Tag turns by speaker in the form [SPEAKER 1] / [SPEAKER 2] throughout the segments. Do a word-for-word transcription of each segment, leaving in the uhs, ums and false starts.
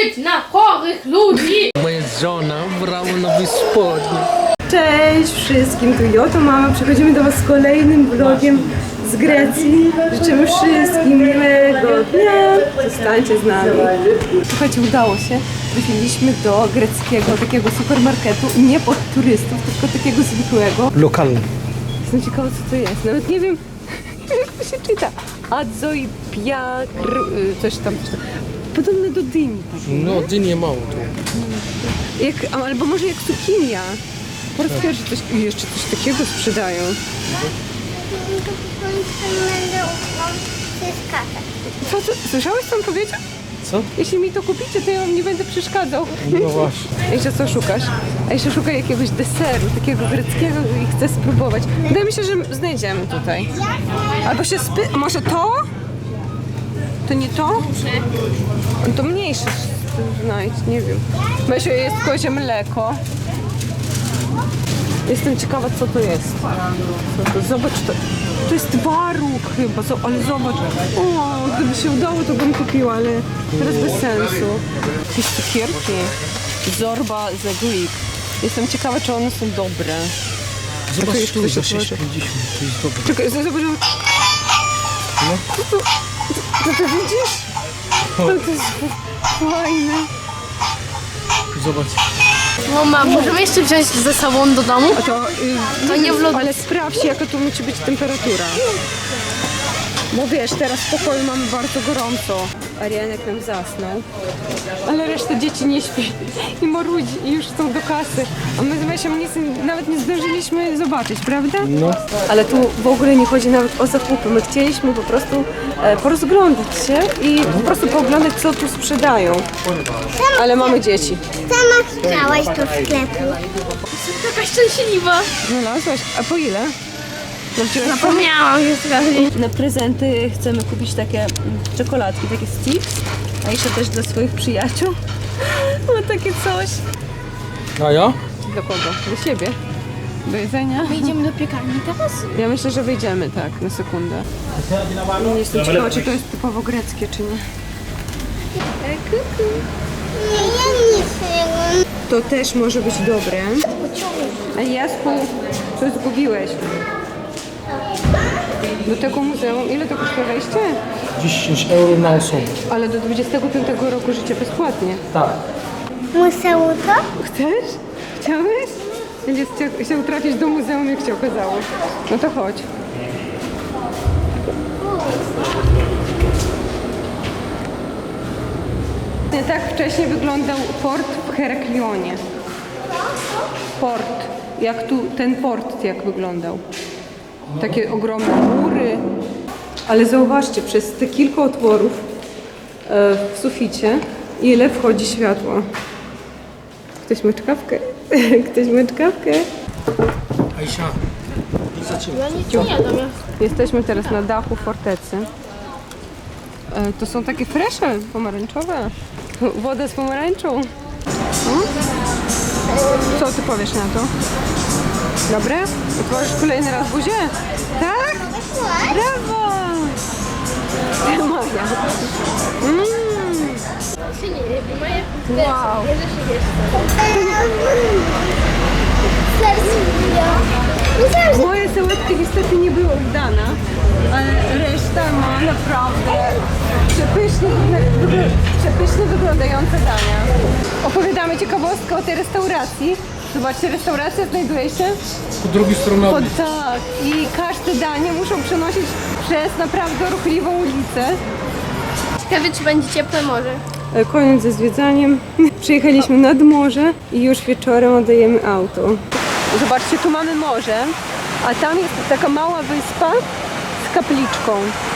[SPEAKER 1] patrzeć na chorych ludzi!
[SPEAKER 2] Moja żona brała nowy spodnie.
[SPEAKER 3] Cześć wszystkim, tu Joto Mama. Przechodzimy do Was z kolejnym vlogiem z Grecji. Życzymy wszystkim miłego dnia. Zostańcie z nami. Słuchajcie, udało się. Trafiliśmy do greckiego takiego supermarketu. Nie pod turystów, tylko takiego zwykłego.
[SPEAKER 2] Lokalny.
[SPEAKER 3] Jestem ciekawa, co to jest. Nawet nie wiem, jak to się czyta. Adzoi piakr... coś tam, coś tam. Podobne do dyni.
[SPEAKER 2] No, dynie mało tu.
[SPEAKER 3] Jak, albo może jak cukinia. Po raz pierwszy coś, jeszcze coś takiego sprzedają. Co, co? Słyszałeś, co on powiedział?
[SPEAKER 2] Co?
[SPEAKER 3] Jeśli mi to kupicie, to ja wam nie będę przeszkadzał.
[SPEAKER 2] No właśnie.
[SPEAKER 3] Jeszcze co szukasz? A jeszcze szukaj jakiegoś deseru, takiego greckiego i chcę spróbować. Wydaje mi się, że znajdziemy tutaj. Albo się spy... Może to? To nie to? To mniejsze znajdź, nie wiem. Myślę, jest kozie mleko. Jestem ciekawa, co to jest. Co to? Zobacz, to, to jest twaróg chyba, ale zobacz. O, gdyby się udało, to bym kupiła, ale teraz bez sensu. Jakieś cukierki. Zorba the Greek. Jestem ciekawa, czy one są dobre.
[SPEAKER 2] Zobacz
[SPEAKER 3] Czekaj,
[SPEAKER 2] tu,
[SPEAKER 3] jeszcze
[SPEAKER 2] za
[SPEAKER 3] się
[SPEAKER 2] sześć pięćdziesiąt. To jest dobre.
[SPEAKER 3] Czekaj, zobacz.
[SPEAKER 2] No.
[SPEAKER 3] To, to, to, to widzisz? To, to jest fajne.
[SPEAKER 2] Zobacz.
[SPEAKER 1] Mama, możemy jeszcze wziąć ze sobą do domu?
[SPEAKER 3] A to, yy,
[SPEAKER 1] To nie w lodówce.
[SPEAKER 3] ale sprawdź, jaka tu musi być temperatura. Bo wiesz, teraz w pokoju mamy bardzo gorąco. Arianek nam zasnął. Ale reszta dzieci nie śpi i marudzi i już chcą do kasy. A my z Mesiem nic, nawet nie zdążyliśmy zobaczyć, prawda?
[SPEAKER 2] No.
[SPEAKER 3] Ale tu w ogóle nie chodzi nawet o zakupy. My chcieliśmy po prostu e, porozglądać się i po prostu pooglądać, co tu sprzedają. Ale mamy dzieci.
[SPEAKER 4] Sama chciałaś do sklepu.
[SPEAKER 1] Jestem taka szczęśliwa.
[SPEAKER 3] Znalazłaś? A po ile?
[SPEAKER 1] Zapomniałam już trochę.
[SPEAKER 3] Na prezenty chcemy kupić takie mm, czekoladki, takie sticks, a jeszcze też dla swoich przyjaciół. No takie coś.
[SPEAKER 2] A ja?
[SPEAKER 3] Dla kogo? Dla siebie. Do jedzenia.
[SPEAKER 1] Idziemy do piekarni teraz?
[SPEAKER 3] Ja myślę, że wyjdziemy tak, na sekundę. Nie jestem ciekawa, czy to jest typowo greckie, czy nie. E, kuku.
[SPEAKER 4] Nie, ja nic nie mam.
[SPEAKER 3] To też może być dobre. A Jasku, coś zgubiłeś. Do tego muzeum, ile to kosztuje wejście?
[SPEAKER 2] dziesięć euro na osobę.
[SPEAKER 3] Ale do dwudziestego piątego roku życia bezpłatnie.
[SPEAKER 2] Tak.
[SPEAKER 4] Muzeum to?
[SPEAKER 3] Chcesz? Chciałeś? Będzie chciał, chciał trafić do muzeum, jak się okazało. No to chodź. Tak wcześniej wyglądał port w Heraklionie. Port. Jak tu ten port jak wyglądał. Takie ogromne mury. Ale zauważcie, przez te kilka otworów e, w suficie, ile wchodzi światło. Ktoś ma czkawkę? Ktoś ma czkawkę?
[SPEAKER 2] Aisha, nie zaczynaj.
[SPEAKER 1] Ja nie jadam.
[SPEAKER 3] Jesteśmy teraz na dachu fortecy. E, to są takie fresze pomarańczowe. Woda z pomarańczą. Hmm? Co ty powiesz na to? Dobre? Otworzysz kolejny raz buzię? Tak? Brawo! Maja. Mm. Wow. Moje sałatki niestety nie były udana, ale reszta ma naprawdę przepysznie, wygl- przepysznie wyglądające dania. Opowiadamy ciekawostkę o tej restauracji. Zobaczcie, restauracja znajduje się
[SPEAKER 2] Po drugiej stronie
[SPEAKER 3] pod,
[SPEAKER 2] ulicy.
[SPEAKER 3] tak, i każde danie muszą przenosić przez naprawdę ruchliwą ulicę.
[SPEAKER 1] Ciekawe, czy będzie ciepłe morze.
[SPEAKER 3] Koniec ze zwiedzaniem. Przyjechaliśmy nad morze i już wieczorem oddajemy auto. Zobaczcie, tu mamy morze, a tam jest taka mała wyspa z kapliczką.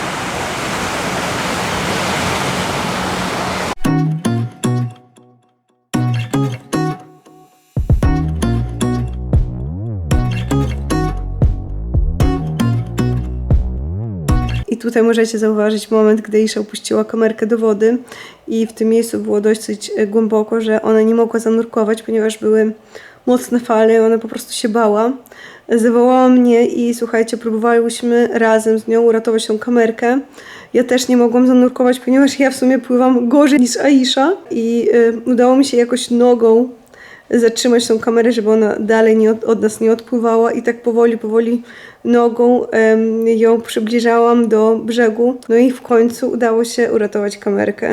[SPEAKER 3] I tutaj możecie zauważyć moment, gdy Isza opuściła kamerkę do wody i w tym miejscu było dosyć głęboko, że ona nie mogła zanurkować, ponieważ były mocne fale, ona po prostu się bała. Zawołała mnie i słuchajcie, próbowałyśmy razem z nią uratować tą kamerkę Ja też nie mogłam zanurkować, ponieważ ja w sumie pływam gorzej niż Aisha i y, udało mi się jakoś nogą zatrzymać tą kamerę, żeby ona dalej nie od, od nas nie odpływała i tak powoli, powoli nogą em, ją przybliżałam do brzegu. No i w końcu udało się uratować kamerkę.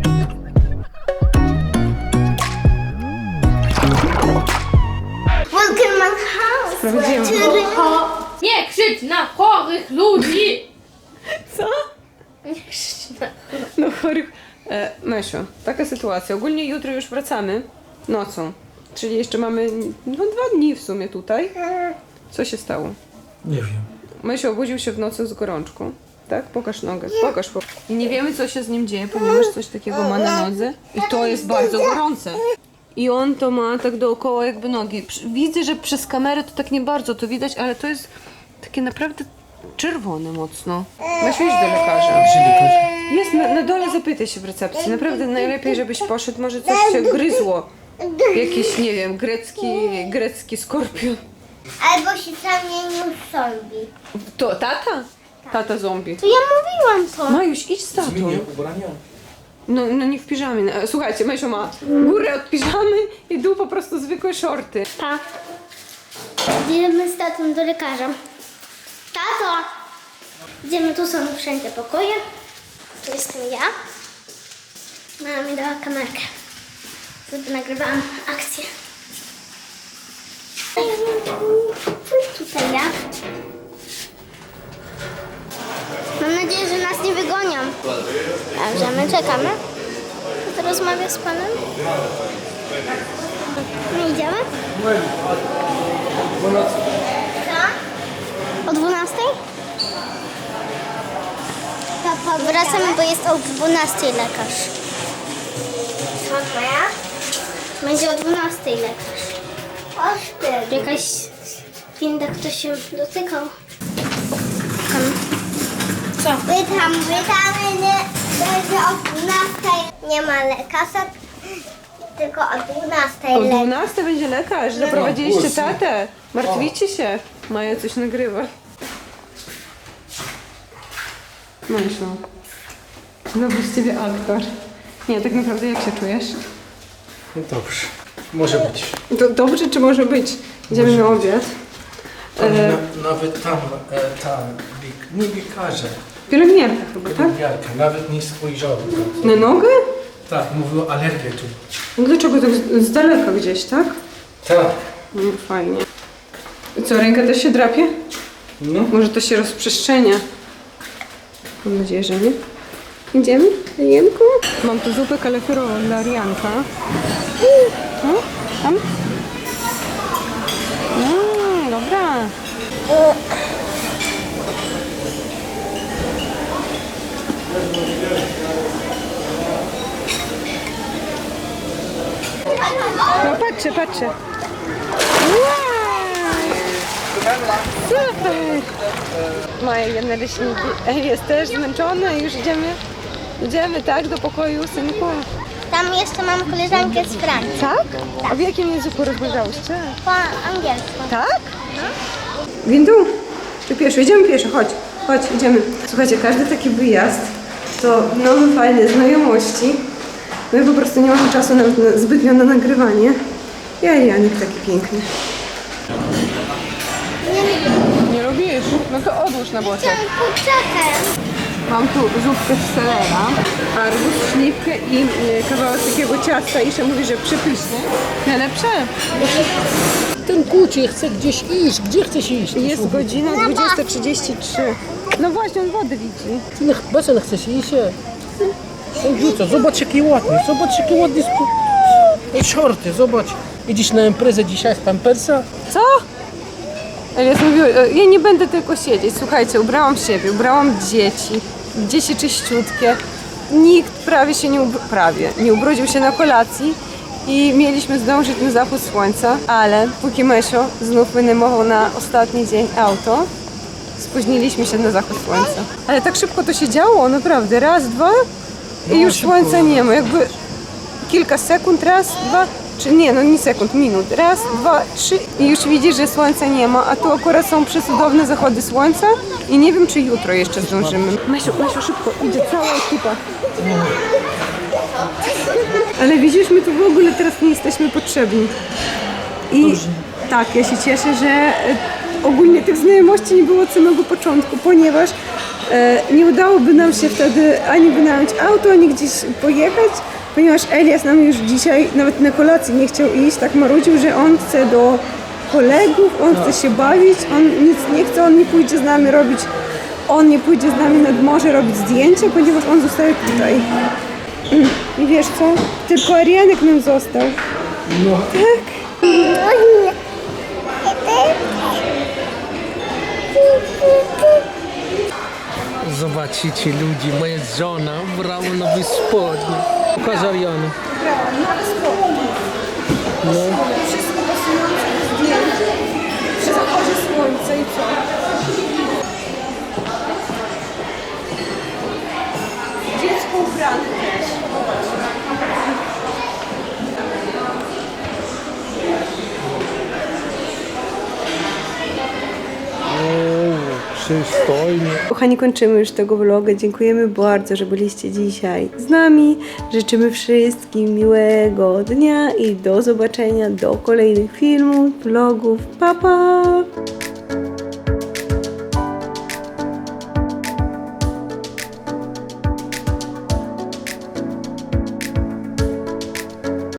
[SPEAKER 4] Welcome my house.
[SPEAKER 3] Sprawdziłam.
[SPEAKER 1] Nie krzycz na chorych ludzi!
[SPEAKER 3] Co?
[SPEAKER 1] Nie krzycz na...
[SPEAKER 3] No chorych. E, Mesio, taka sytuacja. Ogólnie jutro już wracamy nocą. Czyli jeszcze mamy no, dwa dni w sumie tutaj. Co się stało?
[SPEAKER 2] Nie wiem.
[SPEAKER 3] Mesio obudził się w nocy z gorączką. Tak? Pokaż nogę. Pokaż. Po... I nie wiemy, co się z nim dzieje, ponieważ coś takiego ma na nodze. I to jest bardzo gorące. I on to ma tak dookoła jakby nogi. Widzę, że przez kamerę to tak nie bardzo to widać, ale to jest takie naprawdę czerwone mocno. Mesio, idź do lekarza. Jest na, na dole, zapytaj się w recepcji. Naprawdę najlepiej, żebyś poszedł. Może coś się gryzło. Jakiś, nie wiem, grecki, grecki skorpion.
[SPEAKER 4] Albo się zamienił w zombie.
[SPEAKER 3] To tata? Tata zombie.
[SPEAKER 4] To ja mówiłam to.
[SPEAKER 3] Majuś, idź z tatą.
[SPEAKER 2] Zmienię ubrania.
[SPEAKER 3] No, no nie w piżamie. E, Słuchajcie, Mesio ma górę od piżamy i dół po prostu zwykłe shorty.
[SPEAKER 4] Pa. Idziemy z tatą do lekarza. Tato! Idziemy, tu są wszędzie pokoje. Tu jestem ja. Mama mi dała kamerkę. Wtedy nagrywałam akcję. Tutaj ja. Mam nadzieję, że nas nie wygonią. Dobrze, my czekamy. To rozmawia z panem. My idziemy? O dwunastej? Wracamy, bo jest o dwunastej lekarz. Co to ja? Będzie o dwunastej lekarz. O jakaś winda, ktoś się dotykał. Tam. Co? Pytam, pytamy, nie, będzie o dwunastej. Nie ma lekarza, tylko o dwunastej
[SPEAKER 3] O
[SPEAKER 4] lekarz.
[SPEAKER 3] dwunastej będzie lekarz. Zaprowadziliście tatę. Martwicie się. Maja coś nagrywa. Myślę. Dobry z ciebie aktor. Nie, tak naprawdę jak się czujesz?
[SPEAKER 2] No dobrze. Może być.
[SPEAKER 3] Do, dobrze, czy może być? Idziemy na obiad.
[SPEAKER 2] Tam,
[SPEAKER 3] E,
[SPEAKER 2] na, nawet tam, e, tam, bieg, nie biekarze,
[SPEAKER 3] Pielęgniarka chyba, tak?
[SPEAKER 2] pielęgniarka, nawet nie spojrzała.
[SPEAKER 3] Na nogę?
[SPEAKER 2] Tak, mówiła alergię tu.
[SPEAKER 3] No dlaczego tak z, z daleka gdzieś, tak?
[SPEAKER 2] Tak.
[SPEAKER 3] No fajnie. I co, ręka też się drapie?
[SPEAKER 2] No.
[SPEAKER 3] Może to się rozprzestrzenia. Mam nadzieję, że nie. Idziemy? Jemku? Mam tu zupę kalefirową dla Rianka. No, tam? No, dobra. No patrzcie, patrzcie. Wow! Super! Maja je naleśniki. Ej, jest też zmęczona i już idziemy, idziemy tak do pokoju synku.
[SPEAKER 4] Tam jeszcze mam koleżankę z Francji.
[SPEAKER 3] Tak? A w jakim języku rozmawiałyście?
[SPEAKER 4] Po angielsku.
[SPEAKER 3] Tak? Windu, ty pieszo, idziemy pieszo, chodź, chodź, idziemy. Słuchajcie, każdy taki wyjazd to nowe, fajne znajomości. No i po prostu nie mamy czasu nawet na, zbytnio na nagrywanie. Ja i Janik taki piękny. Nie lubisz? No to odłóż na boczek.
[SPEAKER 4] Poczekaj.
[SPEAKER 3] Mam tu zupkę z selera, arbuz, śliwkę i y, kawałek takiego ciasta. Isza mówi, że przepyszne. Najlepsze.
[SPEAKER 2] Ten kucie chce gdzieś iść. Gdzie chcesz iść?
[SPEAKER 3] Jest godzina dwudziesta trzydzieści trzy. No właśnie, on wodę widzi.
[SPEAKER 2] Ty nie, bez nie chcesz iść? Rzuca, zobacz jaki ładny, zobacz jaki ładny sp... shorty, zobacz. Idziesz na imprezę dzisiaj z Pampersa?
[SPEAKER 3] Co? Elias mówił, e, ja nie będę tylko siedzieć. Słuchajcie, ubrałam siebie, ubrałam dzieci. Dzieci czyściutkie. Nikt prawie się nie, ubr- prawie, nie ubrudził się na kolacji i mieliśmy zdążyć na zachód słońca, ale póki Mesio znów wynajmował na ostatni dzień auto, spóźniliśmy się na zachód słońca. Ale tak szybko to się działo, naprawdę. Raz, dwa i
[SPEAKER 2] No,
[SPEAKER 3] już
[SPEAKER 2] szybko.
[SPEAKER 3] słońca nie ma. Jakby kilka sekund, raz, dwa, czy nie, no nie sekund, minut. Raz, dwa, trzy i już widzisz, że słońca nie ma, a tu akurat są przecudowne zachody słońca i nie wiem, czy jutro jeszcze zdążymy. Masiu, Masiu, szybko, idzie cała ekipa. Ale widzisz, my tu w ogóle teraz nie jesteśmy potrzebni. I tak, ja się cieszę, że e, ogólnie tych znajomości nie było od samego początku, ponieważ e, nie udałoby nam się wtedy ani wynająć auto, ani gdzieś pojechać, ponieważ Elias nam już dzisiaj nawet na kolację nie chciał iść, tak marudził, że on chce do kolegów, on chce się bawić, on nic nie chce, on nie pójdzie z nami robić, on nie pójdzie z nami nad morze robić zdjęcia, ponieważ on zostaje tutaj. Mm. I wiesz co? Tylko Arianek nam został.
[SPEAKER 2] No.
[SPEAKER 3] Tak.
[SPEAKER 2] Zobaczycie ludzi, moja żona brała nowy spodnie. Pokaż Ariana. No.
[SPEAKER 3] Wszystko pasujące do zdjęć. Przy zachodzie słońca i co? Dziecko ubrane też.
[SPEAKER 2] Przystojnie.
[SPEAKER 3] Kochani, kończymy już tego vloga. Dziękujemy bardzo, że byliście dzisiaj z nami. Życzymy wszystkim miłego dnia i do zobaczenia do kolejnych filmów, vlogów. Pa, pa!